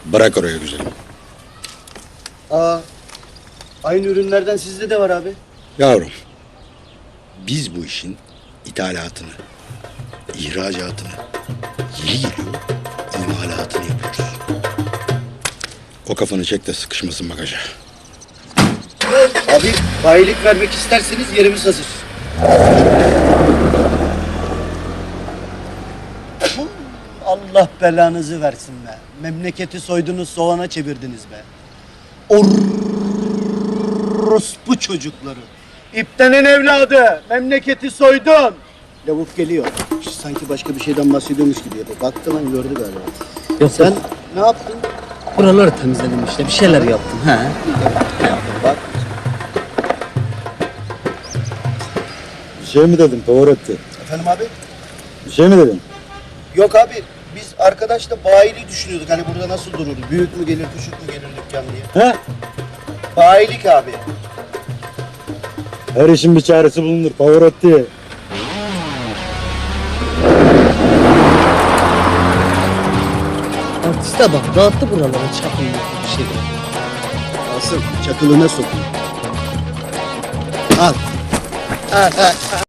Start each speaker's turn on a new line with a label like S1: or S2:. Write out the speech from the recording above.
S1: Bırak oraya güzelim.
S2: Aa, aynı ürünlerden sizde de var abi.
S1: Yavrum, biz bu işin ithalatını, ihracatını, yeri geliyor imalatını yapıyoruz. O kafanı çek de sıkışmasın bagaja.
S2: Abi bayilik vermek isterseniz yerimiz hazır. Allah belanızı versin be. Memleketi soydunuz, soğana çevirdiniz be. Orospu çocukları. İptenin evladı. Memleketi soydun. Lavuk geliyor. Sanki başka bir şeyden bahsediyormuş gibi yapıyor. Baktı lan gördü galiba.
S3: Yok
S2: Sen ne yaptın?
S3: buraları temizledim işte. Bir şeyler yaptım. He.
S2: Bak.
S1: Bir şey mi dedin Pavarotti?
S2: Efendim abi?
S1: Bir şey mi dedin?
S2: Yok abi. Biz arkadaşla bayiliği düşünüyorduk. Hani burada nasıl dururdu? Büyük mü gelir, küçük mü gelir dükkan diye.
S1: He?
S2: Bayilik abi.
S1: Her işin bir çaresi bulunur Pavarotti.
S3: Artiste bak dağıttı buraları çapını bir şey.
S2: Asıl çakılına sokun. Al. Al.